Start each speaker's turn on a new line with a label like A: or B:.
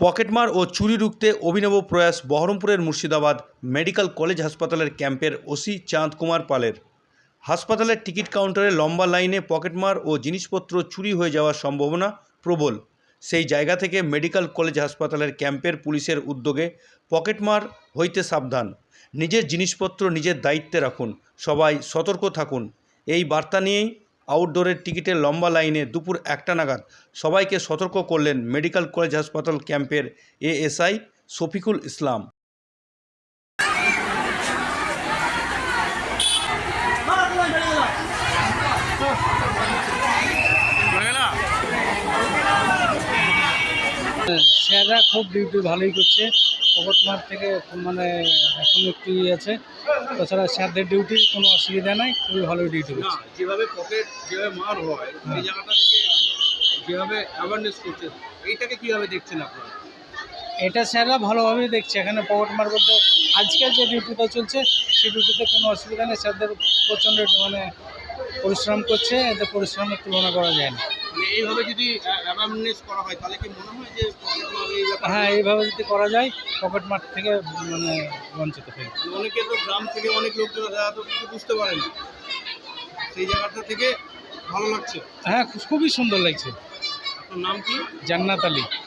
A: পকেটমার ও চুরি রুখতে অভিনব প্রয়াস বহরমপুরের মুর্শিদাবাদ মেডিকেল কলেজ হাসপাতালের ক্যাম্পের ওসি চাঁদ কুমার পালের। হাসপাতালের টিকিট কাউন্টারে লম্বা লাইনে পকেটমার ও জিনিসপত্র চুরি হয়ে যাওয়ার সম্ভাবনা প্রবল। সেই জায়গা থেকে মেডিকেল কলেজ হাসপাতালের ক্যাম্পের পুলিশের উদ্যোগে পকেটমার হইতে সাবধান, নিজের জিনিসপত্র নিজের দায়িত্বে রাখুন, সবাই সতর্ক থাকুন, এই বার্তা নিয়েই আউটডোরের টিকিটের লম্বা লাইনে দুপুর 1টা নাগাদ সবাইকে সতর্ক করলেন মেডিকেল কলেজ হাসপাতাল ক্যাম্পের এএসআই শফিকুল ইসলাম।
B: স্যাররা খুব ডিউটি ভালোই করছে। পকেটমার থেকে মানে এখন একটু আছে, তাছাড়া স্যারদের ডিউটি কোনো অসুবিধা নাই, খুবই ভালো ডিউটি করছে।
C: যেভাবে মার হয় সেই জায়গাটা থেকে যেভাবে অ্যাওয়ারনেস করছে, এইটাকে কীভাবে দেখছেন আপনারা?
B: এটা স্যাররা ভালোভাবেই দেখছে। এখানে পকেটমার বলতে আজকাল যে ডিউটিটা চলছে সেই ডিউটিতে কোনো অসুবিধা নেই। স্যারদের প্রচণ্ড মানে পরিশ্রম করছে, এতে পরিশ্রমের তুলনা করা যায় না।
C: মানে এইভাবে যদি অ্যাওয়ারনেস করা হয় তাহলে কি মনে হয় যে পকেটমার এই ব্যাপারে?
B: হ্যাঁ, এইভাবে যদি করা যায় পকেটমার থেকে মানে বঞ্চিত হয়ে
C: অনেকে তো গ্রাম থেকে অনেক লোকজন যারা তো কিছু বুঝতে পারে না, সেই জায়গাটা থেকে ভালো লাগছে।
B: হ্যাঁ, খুবই সুন্দর লাগছে।
C: আপনার নাম কি?
B: জান্নাত আলী।